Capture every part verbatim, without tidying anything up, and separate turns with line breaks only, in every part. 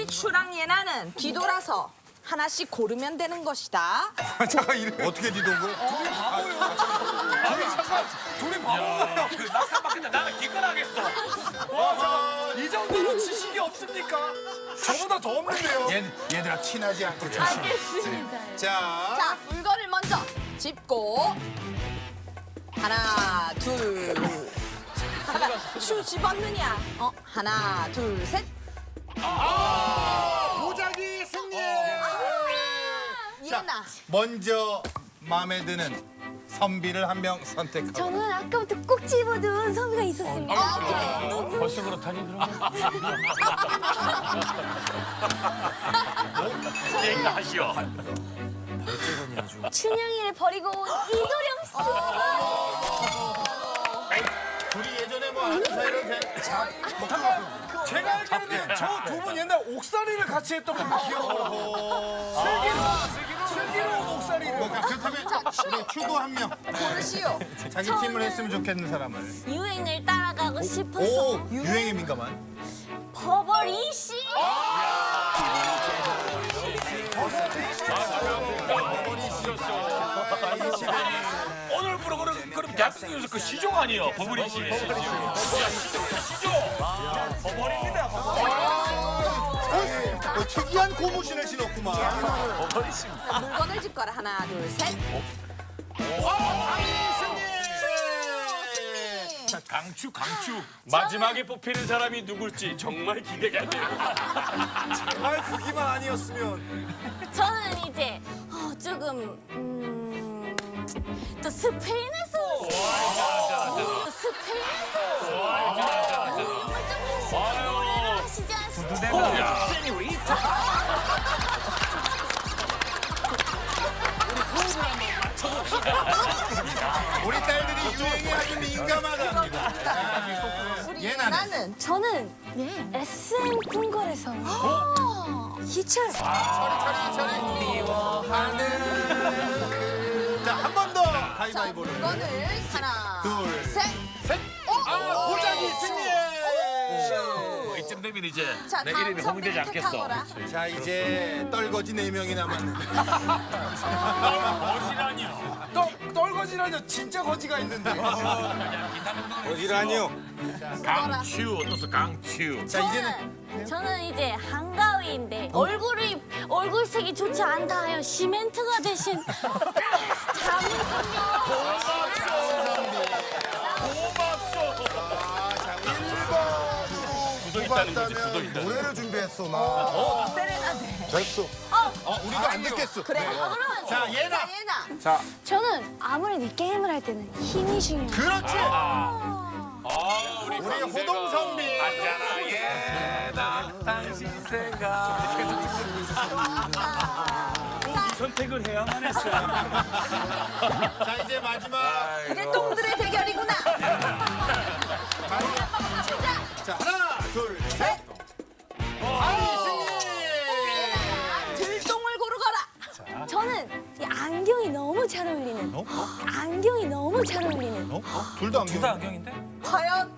우리 슈랑 예나는 뒤돌아서 하나씩 고르면 되는 것이다.
잠깐 이래 어떻게 뒤도는 거야?
둘이 바보예요. 아니 잠깐 둘이 바보예요. 낙사받겠다. 나는 기권하겠어. 와 잠깐 이 정도로 지식이 없습니까? 저보다 더 없는데요.
얘, 얘들아 친하지 않고 조심.
알겠습니다.
자,
자, 물건을 먼저 짚고 하나, 둘. 슈 집었느냐? 어, 하나, 둘, 셋.
보자기 승리.
예나.
먼저 마음에 드는 선비를 한 명 선택하고.
저는 아까부터 꼭 집어둔 선비가 있었습니다.
아, 그래.
벌써 그렇다니 그러면. 얘기하시오.
춘향이를 버리고 온 이도령 씨.
둘이 예전에 뭐 아는 사이로 된.
제가 알기로는 저 두 분 옛날 옥살이를 같이 했던 걸로 기억하고. 슬기로 슬기로 옥살이를.
뭐 그렇다면 우리 추구 한 명.
고르시오.
자기 팀을 했으면 좋겠는 사람을.
유행을 따라가고 싶어서
오, 유행에 민감한.
버버리 씨.
오늘 프로그램 그럼 대한민국에서 그 시종 아니에요? 버블이 씨. 시종. 시종. 버블입니다.
어, 특이한 고무신을 신었구만.
버블이 씨.
물건을 짚거라. 하나, 둘, 셋.
강추 강추. 마지막에 뽑히는 사람이 누굴지 정말 기대가 돼요.
정말 그기만 아니었으면.
저는 이제 어, 조금 음, 또 스페인에서 또 스페인에서 노래를 하시지 않습니까?
우리 딸들이 유행에 아주 민감하답니다.
우리
예나는?
예나는
저는 에스엠 궁궐에서 희철
처리 처리 처리. 미워하는. 자, 한 번 더
자,
가위바위보를.
물건을 하나,
둘,
셋.
셋. 아, 보자기 승리.
이쯤 되면 이제
자,
내
다음
이름이 홍대지
선배를
않겠어.
택하거라.
자, 이제 떨거지 네 명이 남았는데.
거지라니요.
떨, 떨거지라뇨 진짜 거지가 있는데. 거지라뇨.
강추 어떠서 강추.
자, 이제는
저는, 저는 이제 한가위인데 얼굴이 얼굴색이 좋지 않다 하여 시멘트가 대신 잠깐요.
굳어 있다는 거지. 굳어 있다.
노래를 준비했어, 나.
세레나데.
됐어. 어, 우리도 안 듣겠어.
그래.
그러면
자, 예나.
자, 예나.
저는 아무래도 게임을 할 때는 힘이 중요해요.
그렇지.
아, 우리
우리 호동선비.
앉아라 예나 당신 생각. 이 선택을 해야만 했어.
자, 이제 마지막.
이제 똥들의 대결이구나.
자, 하나, 둘, 셋. 아이, 승리.
예나야, 들똥을 고르거라.
저는 이 안경이 너무 잘 어울리는. 안경이 너무 잘 어울리는.
어? 둘 다 안경.
안경인데?
과연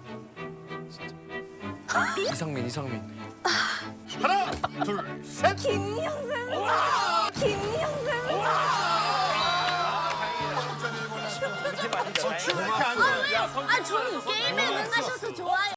이상민 이상민.
하나, 둘, 셋.
김영선. 김영선.
어, 춤을 이렇게 안 춰.
아, 저는 게임에 능하셔서 좋아요.